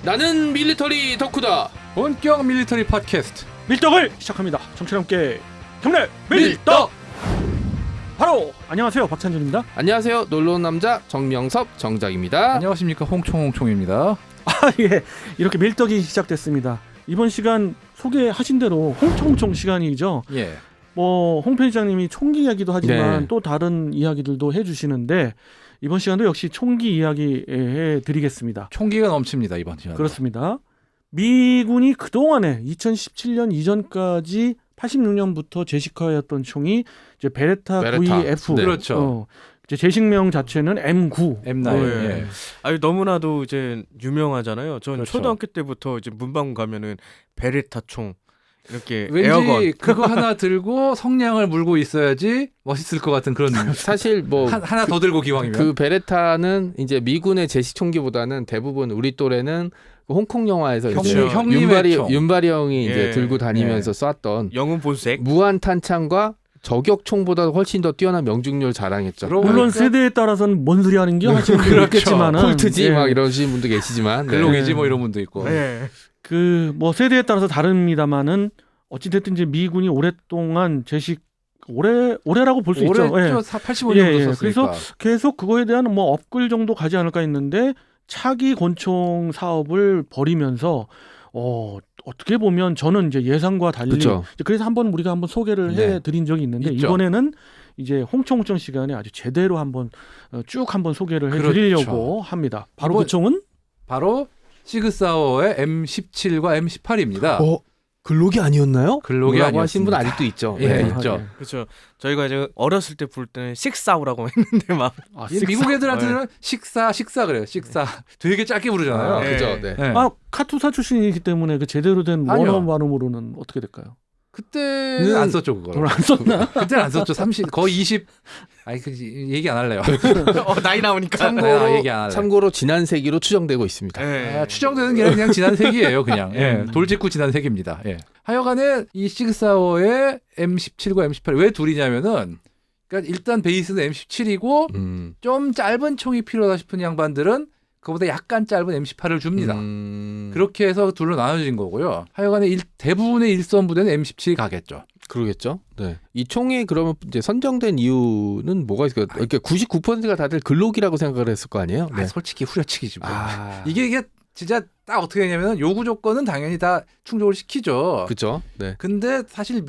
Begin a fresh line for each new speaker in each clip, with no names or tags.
나는 밀리터리 덕후다.
본격 밀리터리 팟캐스트
밀떡을 시작합니다. 정치와 함께 경례 밀떡. 바로 안녕하세요, 박찬준입니다.
안녕하세요, 놀러온 남자 정명섭 정작입니다.
안녕하십니까, 홍총홍총입니다.
예, 이렇게 밀떡이 시작됐습니다. 이번 시간 소개하신 대로 홍총총 시간이죠.
예.
홍 편집장님이 총기 이야기도 하지만
네.
또 다른 이야기들도 해주시는데 이번 시간도 역시 총기 이야기 해드리겠습니다.
총기가 넘칩니다, 이번 시간.
그렇습니다. 미군이 그동안에 2017년 이전까지 86년부터 제식화였던 총이 이제 베레타 92F.
네.
그렇죠.
이제 제식명 자체는 M9.
M9. 예.
아니 너무나도 이제 유명하잖아요. 전
그렇죠.
초등학교 때부터 이제 문방구 가면은 베레타 총 이렇게
왠지
에어건
그거 하나 들고 성냥을 물고 있어야지 멋있을 것 같은 그런
사실 뭐
하나 더 들고 기왕이면.
그 베레타는 이제 미군의 제식 총기보다는 대부분 우리 또래는 그 홍콩 영화에서 이제
형님의 총.
윤발이 형이
예.
이제 들고 다니면서 쐈던
영웅 본색.
무한 탄창과 저격총보다 훨씬 더 뛰어난 명중률 자랑했죠.
그러고
물론
그러니까-
세대에 따라서는 뭔 소리 하는 게 하시는 분도
그렇죠.
있겠지만은
콜트지
예.
막 이러시는 분도 계시지만
글록이지
네.
뭐 이런 분도 있고.
네.
세대에 따라서 다릅니다만은 어찌됐든 이제 미군이 오랫동안 제식 올해라고 볼 수 있죠.
올해죠. 85년부터
예, 예.
썼으니까.
그래서 계속 그거에 대한 업글 정도 가지 않을까 했는데 차기 권총 사업을 벌이면서 어떻게 보면 저는 이제 예상과 달리
그쵸.
그래서 우리가 한번 소개를
네.
해드린 적이 있는데
있죠.
이번에는 이제 홍총홍총 시간에 아주 제대로 쭉 한번 소개를
그렇죠.
해드리려고 합니다. 바로 그 총은
바로 시그사워의 M17과 M18입니다.
글록이 아니었나요?
글록이
뭐라고 하신 분
아니었습니다.
아직도 있죠.
예,
네.
있죠.
그렇죠. 저희가 이제 어렸을 때 부를 때는 식사우라고 했는데 막
이 미국 애들한테는 식사 그래요. 식사. 되게 짧게 부르잖아요.
아,
네.
그죠. 네.
네.
카투사 출신이기 때문에 그 제대로 된
아니요.
원어 발음으로는 어떻게 될까요?
그때는 안 썼죠, 그걸.
그걸 안 썼나?
그때는 안 썼죠. 30 거의 20. 아니 얘기 안 할래요.
나이 나오니까.
참고로,
얘기 안 할래.
참고로 지난 세기로 추정되고 있습니다.
네.
추정되는 게 그냥 지난 세기예요, 그냥. 예. 돌직구 지난 세기입니다. 예. 하여간에 이 시그사워의 M17과 M18 왜 둘이냐면은 그러니까 일단 베이스는 M17이고 좀 짧은 총이 필요하다 싶은 양반들은 그보다 약간 짧은 M18을 줍니다. 그렇게 해서 둘로 나눠진 거고요. 하여간에 대부분의 일선 부대는 M17이 가겠죠.
그러겠죠. 네. 이 총이 그러면 이제 선정된 이유는 뭐가 있을까요? 그러니까 99%가 다들 글록이라고 생각을 했을 거 아니에요? 네.
솔직히 후려치기지 뭐.
아,
이게 진짜 딱 어떻게 되냐면 요구 조건은 당연히 다 충족을 시키죠.
그렇죠. 네.
근데 사실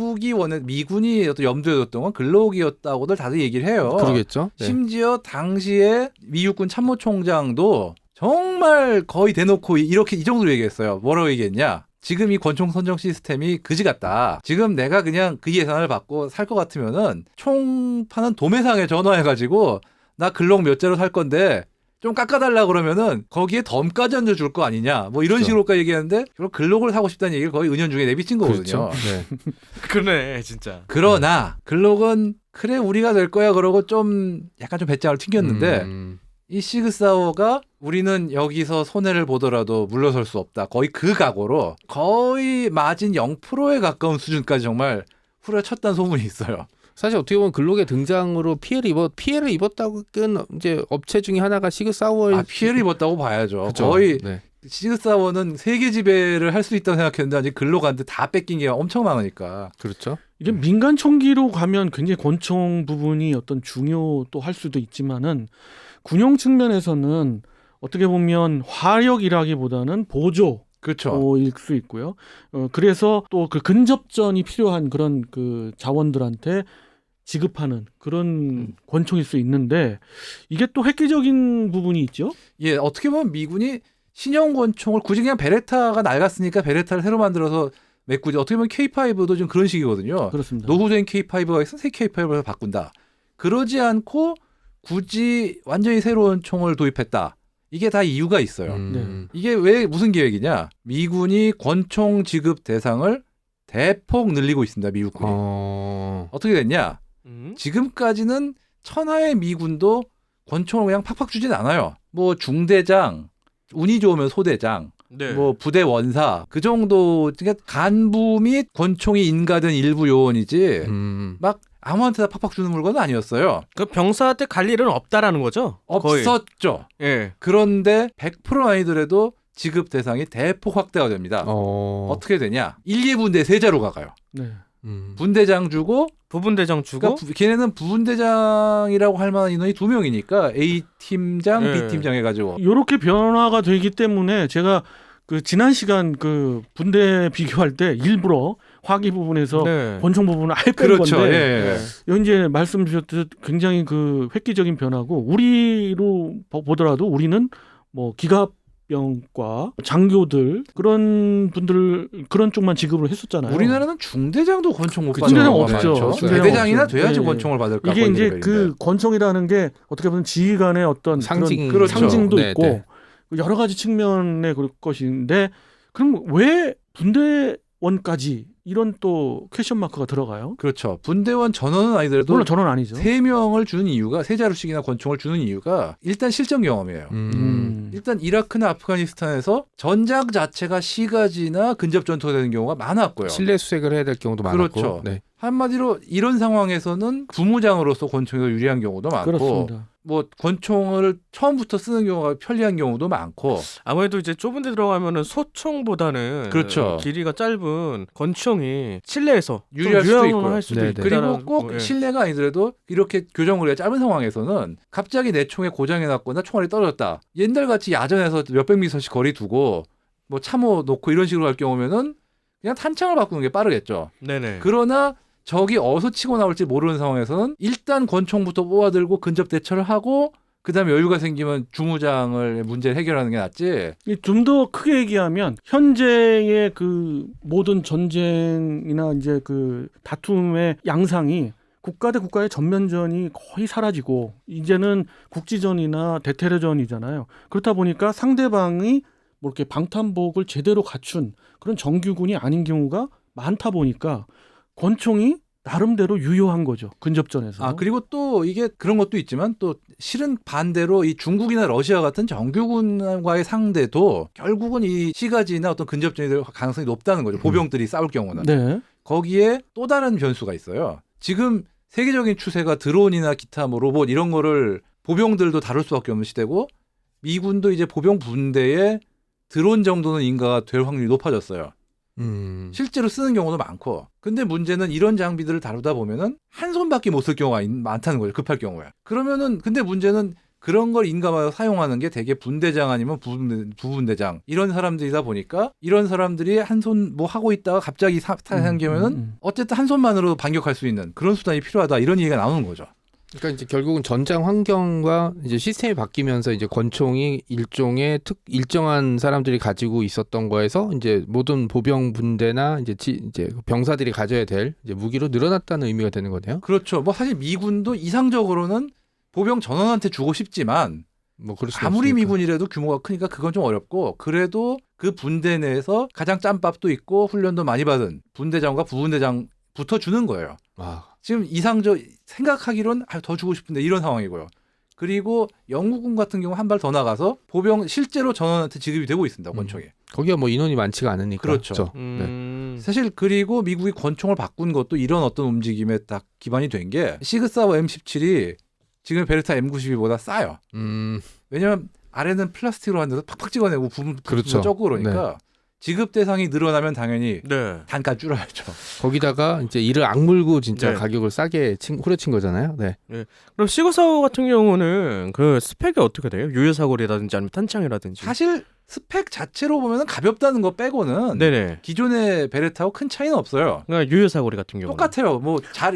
미군이 어떤 염두에 뒀던 건 글록이었다고들 다들 얘기를 해요.
그러겠죠. 네.
심지어 당시에 미 육군 참모총장도 정말 거의 대놓고 이렇게 이 정도로 얘기했어요. 뭐라고 얘기했냐? 지금 이 권총 선정 시스템이 그지 같다. 지금 내가 그냥 그 예산을 받고 살 것 같으면은 총 파는 도매상에 전화해가지고 나 글록 몇 자로 살 건데 좀 깎아달라 그러면은 거기에 덤까지 얹어줄 거 아니냐. 뭐 이런
그렇죠.
식으로까지 얘기하는데 그럼 글록을 사고 싶다는 얘기를 거의 은연중에 내비친 거거든요.
그렇죠. 네.
그러네 진짜.
그러나 글록은 그래 우리가 될 거야 그러고 좀 약간 좀 배짱을 튕겼는데 이 시그사워가 우리는 여기서 손해를 보더라도 물러설 수 없다. 거의 그 각오로 거의 마진 0%에 가까운 수준까지 정말 후려쳤다는 소문이 있어요.
사실 어떻게 보면 글록의 등장으로 피해를 입었다고 끈 이제 업체 중에 하나가 시그사워의
피해를 입었다고 봐야죠.
그쵸.
거의
네.
시그사워는 세계 지배를 할 수 있다고 생각했는데 아직 글록한테 다 뺏긴 게 엄청 많으니까.
그렇죠.
이게 민간 총기로 가면 굉장히 권총 부분이 어떤 중요 또 할 수도 있지만은 군용 측면에서는 어떻게 보면 화력이라기보다는 보조
그렇죠.
일 수 있고요. 그래서 또 그 근접전이 필요한 그런 그 자원들한테 지급하는 그런 권총일 수 있는데 이게 또 획기적인 부분이 있죠.
예, 어떻게 보면 미군이 신형 권총을 굳이 그냥 베레타가 낡았으니까 베레타를 새로 만들어서 메꾸지. 어떻게 보면 K5도 좀 그런 식이거든요.
그렇습니다.
노후된 K5가 있어 새 K5로 바꾼다. 그러지 않고 굳이 완전히 새로운 총을 도입했다. 이게 다 이유가 있어요. 이게 왜 무슨 계획이냐? 미군이 권총 지급 대상을 대폭 늘리고 있습니다. 미국군이. 어떻게 됐냐? 지금까지는 천하의 미군도 권총을 그냥 팍팍 주진 않아요. 뭐 중대장, 운이 좋으면 소대장,
네.
뭐 부대 원사 그 정도. 그러니까 간부 및 권총이 인가된 일부 요원이지 막 아무한테나 팍팍 주는 물건은 아니었어요.
그 병사한테 갈 일은 없다라는 거죠? 거의.
없었죠.
예.
그런데 100% 아니더라도 지급 대상이 대폭 확대가 됩니다.
어.
어떻게 되냐? 1, 2분대 세자로 가요.
네.
분대장 주고
부분대장 주고
그러니까 걔네는 부분대장이라고 할 만한 인원이 2명이니까 A 팀장,
네.
B 팀장 해가지고
이렇게 변화가 되기 때문에 제가 그 지난 시간 그 분대 비교할 때 일부러 화기 부분에서
네.
권총 부분을 아예 뺀
그렇죠.
건데
예.
여기 이제 말씀 주셨듯 굉장히 그 획기적인 변화고 우리로 보더라도 우리는 뭐 기갑병과 장교들 그런 분들 그런 쪽만 지급을 했었잖아요.
우리나라는 중대장도 권총 못 받는
중대장
경우가
없죠.
많죠.
중대장
대대장이나
없죠.
돼야지
예, 예.
권총을 받을까.
이게 이제 그 권총이라는 게 어떻게 보면 지휘관의 어떤
상징
그런
그렇죠.
상징도
네,
있고
네.
여러 가지 측면의 그럴 것인데 그럼 왜 분대원까지 이런 또 퀘션 마크가 들어가요?
그렇죠. 분대원 전원은 아니더라도
물론 저는 아니죠.
3명을 주는 이유가 세 자루씩이나 권총을 주는 이유가 일단 실전 경험이에요. 일단 이라크나 아프가니스탄에서 전장 자체가 시가지나 근접 전투가 되는 경우가 많았고요.
실내 수색을 해야 될 경우도 많았고.
그렇죠.
네.
한마디로 이런 상황에서는 부무장으로서 권총이 더 유리한 경우도 많고
그렇습니다.
뭐 권총을 처음부터 쓰는 경우가 편리한 경우도 많고
아무래도 이제 좁은 데 들어가면은 소총보다는
그렇죠.
길이가 짧은 권총이 실내에서
유리할 수도 있고요.
할 수도
네네.
있고
그리고 꼭
예.
실내가 아니더라도 이렇게 교정거리가 짧은 상황에서는 갑자기 내 총에 고장이 났거나 총알이 떨어졌다. 옛날같이 야전에서 몇백 미터씩 거리 두고 뭐 참호 놓고 이런 식으로 할 경우면은 그냥 탄창을 바꾸는 게 빠르겠죠.
네네.
그러나 적이 어디서 치고 나올지 모르는 상황에서는 일단 권총부터 뽑아들고 근접 대처를 하고 그다음에 여유가 생기면 주무장을 문제를 해결하는 게 낫지.
좀 더 크게 얘기하면 현재의 그 모든 전쟁이나 이제 그 다툼의 양상이 국가 대 국가의 전면전이 거의 사라지고 이제는 국지전이나 대테러전이잖아요. 그렇다 보니까 상대방이 뭐 이렇게 방탄복을 제대로 갖춘 그런 정규군이 아닌 경우가 많다 보니까 권총이 나름대로 유효한 거죠. 근접전에서.
아 그리고 또 이게 그런 것도 있지만 또 실은 반대로 이 중국이나 러시아 같은 정규군과의 상대도 결국은 이 시가지나 어떤 근접전이 될 가능성이 높다는 거죠. 보병들이 싸울 경우는.
네.
거기에 또 다른 변수가 있어요. 지금 세계적인 추세가 드론이나 기타 뭐 로봇 이런 거를 보병들도 다룰 수밖에 없는 시대고 미군도 이제 보병 분대에 드론 정도는 인가가 될 확률이 높아졌어요. 실제로 쓰는 경우도 많고. 근데 문제는 이런 장비들을 다루다 보면은 한 손밖에 못 쓸 경우가 많다는 거죠. 급할 경우에. 그러면은 근데 문제는 그런 걸 인가하여 사용하는 게 대개 분대장 아니면 부분대장 이런 사람들이다 보니까 이런 사람들이 한 손 뭐 하고 있다가 갑자기 사탄이 생기면은 어쨌든 한 손만으로 반격할 수 있는 그런 수단이 필요하다 이런 얘기가 나오는 거죠.
그러니까 이제 결국은 전장 환경과 이제 시스템이 바뀌면서 이제 권총이 일종의 일정한 사람들이 가지고 있었던 거에서 이제 모든 보병 분대나 이제 병사들이 가져야 될 이제 무기로 늘어났다는 의미가 되는 거네요.
그렇죠. 뭐 사실 미군도 이상적으로는 보병 전원한테 주고 싶지만
뭐 그럴 수
아무리
없으니까.
미군이라도 규모가 크니까 그건 좀 어렵고 그래도 그 분대 내에서 가장 짬밥도 있고 훈련도 많이 받은 분대장과 부분대장 붙어주는 거예요.
아,
지금 이상적 생각하기론 더 주고 싶은데 이런 상황이고요. 그리고 영국군 같은 경우 한 발 더 나가서 보병 실제로 전원한테 지급이 되고 있습니다. 권총이.
거기가 뭐 인원이 많지가 않으니까.
그렇죠.
네.
사실 그리고 미국이 권총을 바꾼 것도 이런 어떤 움직임에 딱 기반이 된 게 시그사워 M17이 지금 베르타 M92보다 싸요. 왜냐하면 아래는 플라스틱으로 한 데서 팍팍 찍어내고 부분
그렇죠.
적고 그러니까 지급 대상이 늘어나면 당연히
네.
단가 줄여야죠.
거기다가 이제 이를 악물고 진짜
네.
가격을 싸게 후려친 거잖아요. 네.
그럼 시그사워 같은 경우는 그 스펙이 어떻게 돼요? 유효사거리라든지 아니면 탄창이라든지.
사실 스펙 자체로 보면 가볍다는 거 빼고는
네네.
기존의 베레타하고 큰 차이는 없어요.
그러니까 유효사거리 같은 경우.
똑같아요. 뭐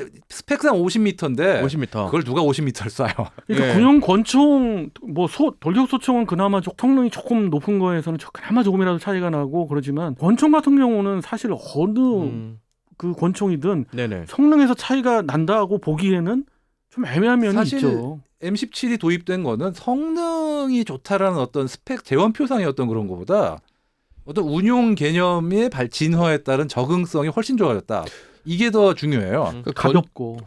스펙상 50m인데
50m.
그걸 누가 50m를 쏴요.
그러니까
예.
군용 권총 뭐 돌격 소총은 그나마 성능이 조금 높은 거에서는 그나마 조금이라도 차이가 나고 그러지만 권총 같은 경우는 사실 어느 그 권총이든
네네.
성능에서 차이가 난다고 보기에는 좀 애매한 면이
사실
있죠.
M17이 도입된 거는 성능이 좋다라는 어떤 스펙 재원표상의 어떤 그런 거보다 어떤 운용 개념의 진화에 따른 적응성이 훨씬 좋아졌다. 이게 더 중요해요.
그러니까
가볍고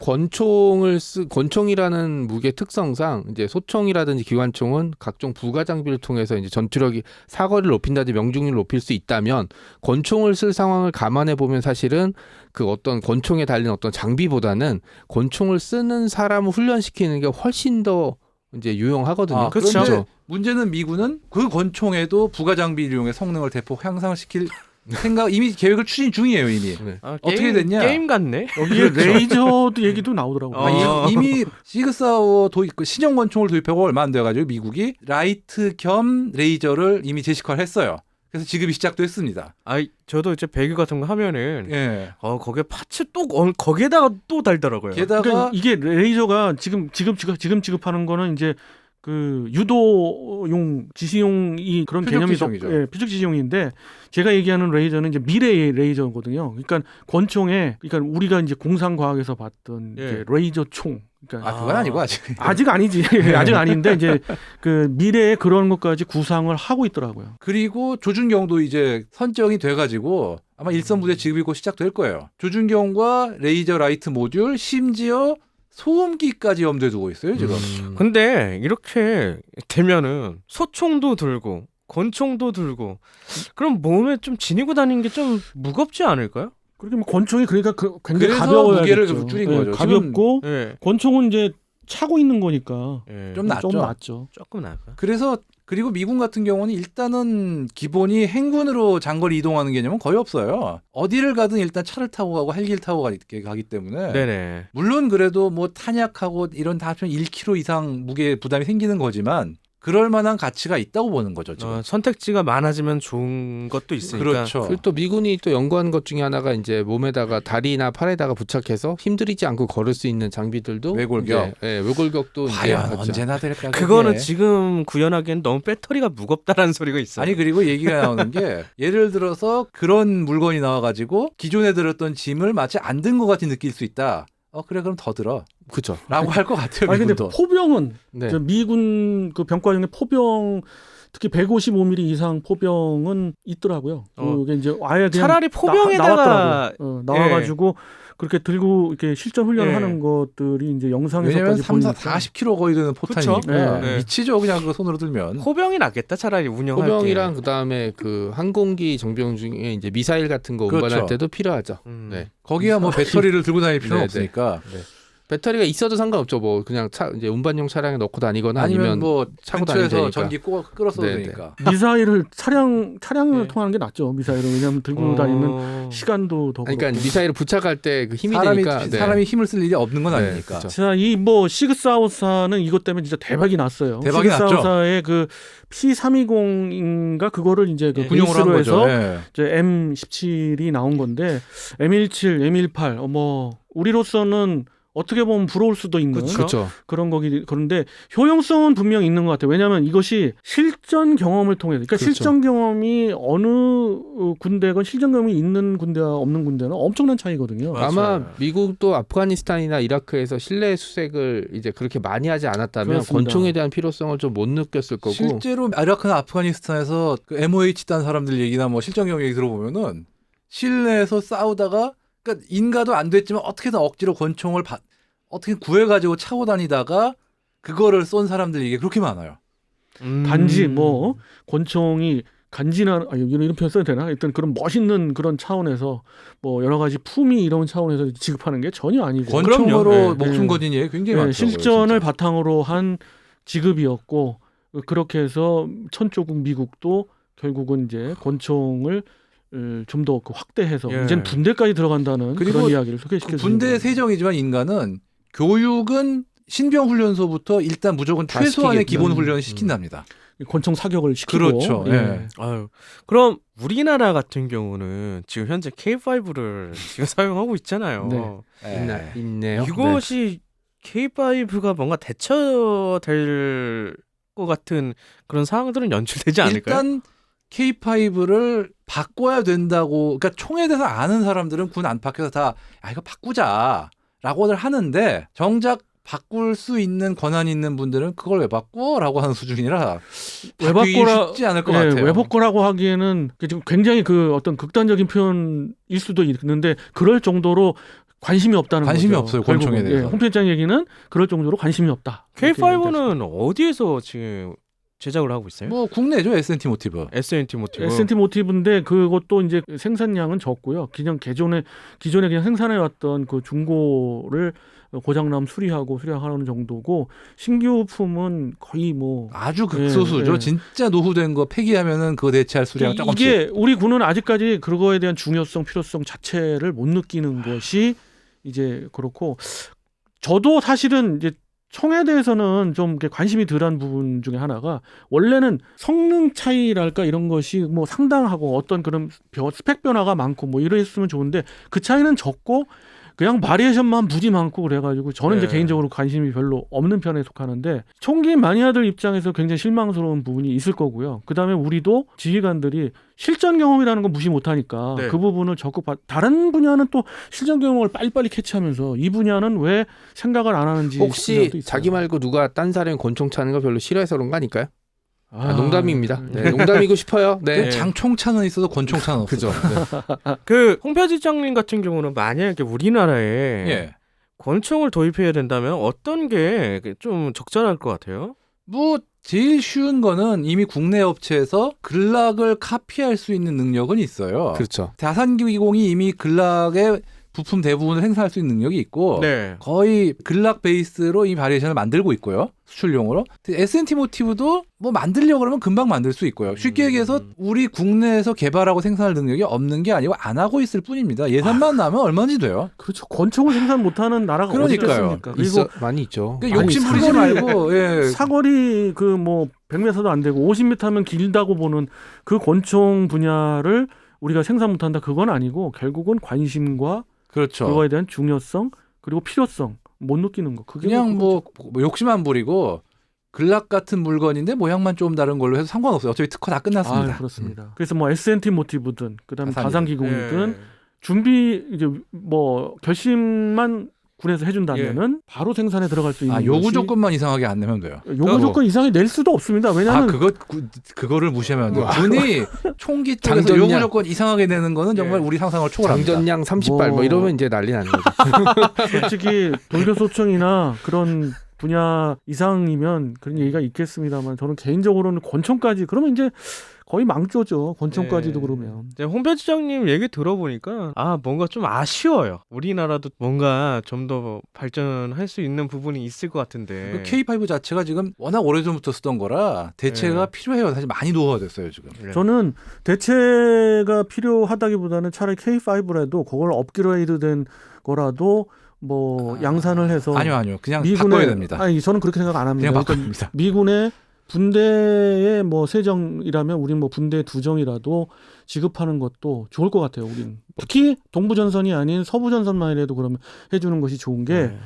권총이라는 무기의 특성상 이제 소총이라든지 기관총은 각종 부가 장비를 통해서 이제 전투력이 사거리를 높인다든지 명중률을 높일 수 있다면 권총을 쓸 상황을 감안해 보면 사실은 그 어떤 권총에 달린 어떤 장비보다는 권총을 쓰는 사람을 훈련시키는 게 훨씬 더 이제 유용하거든요.
아,
그렇죠.
그런데 문제는 미군은 그 권총에도 부가 장비를 이용해 성능을 대폭 향상시킬 생각 이미 계획을 추진 중이에요 이미.
네.
어떻게 됐냐?
게임 같네.
여기에 레이저도 얘기도 나오더라고요.
이미 시그사워 그 신형 권총을 도입하고 얼마 안 돼가지고 미국이 라이트 겸 레이저를 이미 제시화를 했어요. 그래서 지급이 시작도 했습니다.
저도 이제 배기 같은 거 하면은
예.
거기에 파츠 또 거기에다가 또 달더라고요.
게다가
그러니까 이게 레이저가 지금 지급하는 거는 이제 그 유도용 지시용이 그런
표적
개념이
지시용이죠.
예, 표적 지시용인데 제가 얘기하는 레이저는 이제 미래의 레이저거든요. 그러니까 권총에 그러니까 우리가 이제 공상과학에서 봤던
예.
이제 레이저 총. 그러니까
그건 아니고 아직.
아직 아니지. 아직 아닌데 이제 그 미래에 그런 것까지 구상을 하고 있더라고요.
그리고 조준경도 이제 선정이 돼가지고 아마 일선 부대 지급이 곧 시작될 거예요. 조준경과 레이저 라이트 모듈 심지어 소음기까지 염두에 두고 있어요 지금.
근데 이렇게 되면은 소총도 들고 권총도 들고 그럼 몸에 좀 지니고 다니는 게 좀 무겁지 않을까요?
그렇게 뭐 권총이 그러니까 굉장히
그래서
가벼워야겠죠.
무게를 줄인 거죠.
가볍고
예.
권총은 이제 차고 있는 거니까
예.
좀 낫죠.
좀 낫죠.
조금 나을까?
그리고 미군 같은 경우는 일단은 기본이 행군으로 장거리 이동하는 개념은 거의 없어요. 어디를 가든 일단 차를 타고 가고 헬기를 타고 가기 때문에
네네.
물론 그래도 뭐 탄약하고 이런 다 합치면 1kg 이상 무게 부담이 생기는 거지만 그럴 만한 가치가 있다고 보는 거죠. 지금.
선택지가 많아지면 좋은 것도 있으니까.
그렇죠.
그리고 또 미군이 또 연구한 것 중에 하나가 이제 몸에다가 다리나 팔에다가 부착해서 힘들이지 않고 걸을 수 있는 장비들도
외골격.
이제, 예, 외골격도 이제
과연
하죠.
언제나 될까?
그거는
그게.
지금 구현하기엔 너무 배터리가 무겁다라는 소리가 있어요.
아니 그리고 얘기가 나오는 게 예를 들어서 그런 물건이 나와가지고 기존에 들었던 짐을 마치 안 든 것 같이 느낄 수 있다. 그래 그럼 더 들어.
그렇죠.
라고 할 것 같아요.
아니 근데
미군도.
포병은
네.
저 미군 그 병과 중에 포병 특히 155mm 이상 포병은 있더라고요. 그게 이제 아예 그냥
차라리 포병에다가
나왔더라고요. 나와가지고 그렇게 들고 이렇게 실전 훈련하는
예.
것들이 이제
왜냐면
영상에서까지
40kg 거의 되는 포탄이니까
그쵸?
네.
미치죠. 그냥 그거 손으로 들면.
포병이 낫겠다 차라리 운영할
포병이랑 그다음에 그 항공기 정비용 중에 이제 미사일 같은 거 운반할
그렇죠.
때도 필요하죠.
게.
네.
거기야 뭐 배터리를 들고 다닐 필요는
네,
없으니까.
배터리가 있어도 상관없죠. 뭐 그냥 이제 운반용 차량에 넣고 다니거나
아니면 뭐
차고 다니면
근처에서
되니까.
전기 끌어서도
네, 네.
되니까.
미사일을 차량을
네.
통하는 게 낫죠. 미사일은 왜냐하면 들고 다니면 시간도 더
그러니까
그렇고.
미사일을 부착할 때 그 힘이
사람이
되니까 네.
사람이 힘을 쓸 일이 없는 건
네,
아니니까.
그렇죠.
자, 이 뭐 시그사우사는 이것 때문에 진짜 대박이 났어요.
대박이 났죠.
시그사우사의 그 P320인가 그거를 이제 그
군용으로 한
베이스로
거죠.
해서
예.
이제 M17이 나온 건데 M17, M18 우리로서는 어떻게 보면 부러울 수도 있는
그렇죠.
그런 거기 그런데 효용성은 분명히 있는 것 같아요. 왜냐하면 이것이 실전 경험을 통해서 그러니까
그렇죠.
실전 경험이 어느 군대건 실전 경험이 있는 군대와 없는 군대는 엄청난 차이거든요.
아마
맞아요.
미국도 아프가니스탄이나 이라크에서 실내 수색을 이제 그렇게 많이 하지 않았다면
그렇습니다.
권총에 대한 필요성을 좀 못 느꼈을 거고.
실제로 이라크나 아프가니스탄에서 그 MOH 딴 사람들 얘기나 뭐 실전 경험 얘기 들어보면은 실내에서 싸우다가 그러니까 인가도 안 됐지만 어떻게든 억지로 권총을 어떻게 구해가지고 차고 다니다가 그거를 쏜 사람들 얘기 그렇게 많아요.
단지 뭐 권총이 간지나 이런 표현 써도 되나? 일단 그런 멋있는 그런 차원에서 뭐 여러 가지 품위 이런 차원에서 지급하는 게 전혀 아니고
권총으로
그럼요.
목숨
네.
거진 예 굉장히
네,
많더라고요.
실전을
진짜.
바탕으로 한 지급이었고 그렇게 해서 천조국 미국도 결국은 이제 권총을 좀 더 확대해서
예.
이제는 군대까지 들어간다는
그리고
그런 이야기를
그
소개시켜 주는
군대
거예요.
세정이지만 인간은 교육은 신병 훈련소부터 일단 무조건
다
최소한의
시키겠다.
기본 훈련을 시킨답니다.
권총 사격을 시키고
그렇죠. 예.
아유, 그럼 우리나라 같은 경우는 지금 현재 K5를 지금 사용하고 있잖아요.
네.
있네요.
이것이 K5가 뭔가 대처될 것 같은 그런 상황들은 연출되지 않을까요?
일단 K5를 바꿔야 된다고 그러니까 총에 대해서 아는 사람들은 군 안팎에서 다 이거 바꾸자라고들 하는데 정작 바꿀 수 있는 권한이 있는 분들은 그걸 왜 바꿔라고 하는 수준이라
왜
바꾸기
바꿔라-
쉽지 않을 것
예,
같아요.
외복거라고 하기에는 지금 굉장히 그 어떤 극단적인 표현일 수도 있는데 그럴 정도로 관심이 없다는
관심이
거죠.
없어요, 권총에
결국은.
대해서.
홈페이지 얘기는 그럴 정도로 관심이 없다. 이렇게 얘기할 수
K5는 어디에서 지금 제작을 하고 있어요?
뭐 국내죠 S&T 모티브.
S&T 모티브.
S&T 모티브인데 그것도 이제 생산량은 적고요. 그냥 기존에 그냥 생산해 왔던 그 중고를 고장나면 수리하는 정도고 신규 품은 거의 뭐
아주 극소수죠.
예.
진짜 노후된 거 폐기하면은 그거 대체할 수량 조금씩.
이게 우리 군은 아직까지 그거에 대한 중요성, 필요성 자체를 못 느끼는 것이 이제 그렇고 저도 사실은 이제 총에 대해서는 좀 이렇게 관심이 덜한 부분 중에 하나가 원래는 성능 차이랄까 이런 것이 뭐 상당하고 어떤 그런 스펙 변화가 많고 뭐 이랬으면 좋은데 그 차이는 적고 그냥 바리에이션만 무지 많고 그래가지고 저는 이제
네.
개인적으로 관심이 별로 없는 편에 속하는데 총기 마니아들 입장에서 굉장히 실망스러운 부분이 있을 거고요. 그다음에 우리도 지휘관들이 실전 경험이라는 건 무시 못하니까
네.
그 부분을 적극 다른 분야는 또 실전 경험을 빨리빨리 캐치하면서 이 분야는 왜 생각을 안 하는지
혹시 자기 말고 누가 딴 사람이 권총 차는 거 별로 싫어해서 그런 거 아닐까요? 농담입니다. 네, 농담이고 싶어요. 네.
그 장총차는 있어도 권총차는 없어요.
그죠. 네.
그 홍표지장님 같은 경우는 만약에 우리나라에
예.
권총을 도입해야 된다면 어떤 게 좀 적절할 것 같아요?
뭐 제일 쉬운 거는 이미 국내 업체에서 글락을 카피할 수 있는 능력은 있어요.
그렇죠.
다산기공이 이미 글락의 부품 대부분을 행사할 수 있는 능력이 있고
네.
거의 글락 베이스로 이 바리에이션을 만들고 있고요. 수출용으로. S&T 모티브도 뭐 만들려고 그러면 금방 만들 수 있고요. 쉽게 얘기해서 우리 국내에서 개발하고 생산할 능력이 없는 게 아니고 안 하고 있을 뿐입니다. 예산만 나면 얼마든지 돼요.
그렇죠. 권총을 생산 못하는 나라가 어디
그러니까요.
있겠습니까? 그리고
많이 있죠.
그러니까 욕심
아니,
부리지 말고 예.
사거리 그 뭐 100m도 안 되고 50m면 길다고 보는 그 권총 분야를 우리가 생산 못한다 그건 아니고 결국은 관심과
그렇죠.
그거에 대한 중요성 그리고 필요성 못 느끼는 거 그게
그냥 뭐 욕심 안 부리고 글락 같은 물건인데 모양만 좀 다른 걸로 해서 상관없어요. 어차피 특허 다 끝났습니다.
그렇습니다. 그래서 뭐 S&T 모티브든 그다음에 다산기공이든
네.
준비 이제 뭐 결심만 군에서 해준다면은 바로 생산에 들어갈 수 있는
요구
것이
조건만 이상하게 안 내면 돼요.
요구 조건 이상이 낼 수도 없습니다. 왜냐하면
그거를 무시하면 안 돼요. 군이 총기 쪽에서
장전량.
요구 조건 이상하게 내는 거는 정말
예.
우리 상상을 초월합니다.
장전량 30발 뭐 이러면 이제 난리 나는 거죠.
솔직히 돌교소총이나 그런 분야 이상이면 그런 얘기가 있겠습니다만 저는 개인적으로는 권총까지 그러면 이제 거의 망조죠. 권총까지도
네.
그러면.
이제 홍표지장님 얘기 들어보니까 뭔가 좀 아쉬워요. 우리나라도 뭔가 좀 더 발전할 수 있는 부분이 있을 것 같은데.
K5 자체가 지금 워낙 오래전부터 쓰던 거라 대체가
네.
필요해요. 사실 많이 노후가 됐어요 지금.
네.
저는 대체가 필요하다기보다는 차라리 K5라도 그걸 업그레이드된 거라도 뭐 양산을 해서
아니요. 그냥 바꿔야 됩니다.
아니 저는 그렇게 생각 안 합니다.
그냥 바꿔야
그러니까
됩니다.
미군의 분대의 뭐 세정이라면 우린 뭐 분대 2정이라도 지급하는 것도 좋을 것 같아요. 우린 특히 동부전선이 아닌 서부전선만이라도 그러면 해주는 것이 좋은 게
네.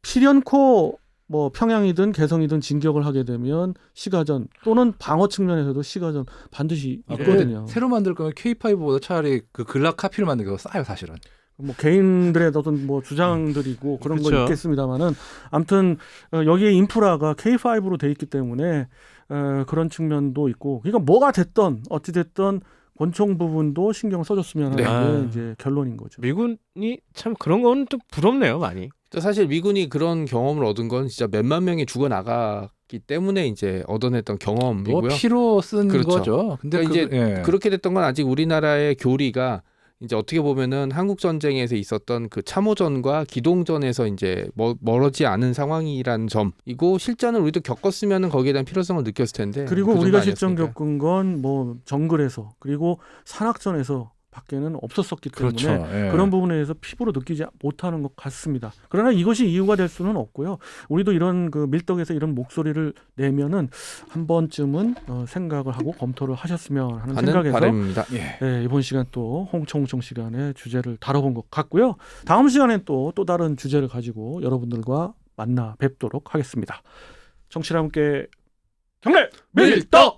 필연코 뭐 평양이든 개성이든 진격을 하게 되면 시가전 또는 방어 측면에서도 시가전 반드시 있거든요.
새로 만들 거면 K5보다 차라리 그 글락 카피를 만들기 더 싸요 사실은.
뭐 개인들의 어떤 뭐 주장들이고 그런 건
그쵸.
있겠습니다만은 아무튼 여기에 인프라가 K5로 돼 있기 때문에 그런 측면도 있고 그러니까 뭐가 됐던 어찌 됐던 권총 부분도 신경 써줬으면 하는
네.
게 이제 결론인 거죠.
미군이 참 그런 건 좀 부럽네요, 많이.
사실 미군이 그런 경험을 얻은 건 진짜 몇만 명이 죽어 나갔기 때문에 이제 얻어냈던 경험이고요.
뭐 피로 쓴
그렇죠.
거죠. 근데
그러니까 이제 그렇게 됐던 건 아직 우리나라의 교리가 이제 어떻게 보면은 한국 전쟁에서 있었던 그 참호전과 기동전에서 이제 멀어지 않은 상황이라는 점이고 실전을 우리도 겪었으면은 거기에 대한 필요성을 느꼈을 텐데
그리고
그
우리가
정도
실전
아니었으니까.
겪은 건 뭐 정글에서 그리고 산악전에서 밖에는 없었었기 때문에
그렇죠. 예.
그런 부분에 대해서 피부로 느끼지 못하는 것 같습니다. 그러나 이것이 이유가 될 수는 없고요. 우리도 이런 그 밀떡에서 이런 목소리를 내면은 한 번쯤은 생각을 하고 검토를 하셨으면 하는 생각에서
바람입니다.
예.
네, 이번 시간 또 홍청홍청 시간에 주제를 다뤄본 것 같고요. 다음 시간엔 또 다른 주제를 가지고 여러분들과 만나 뵙도록 하겠습니다. 청취자 함께 경례 밀떡!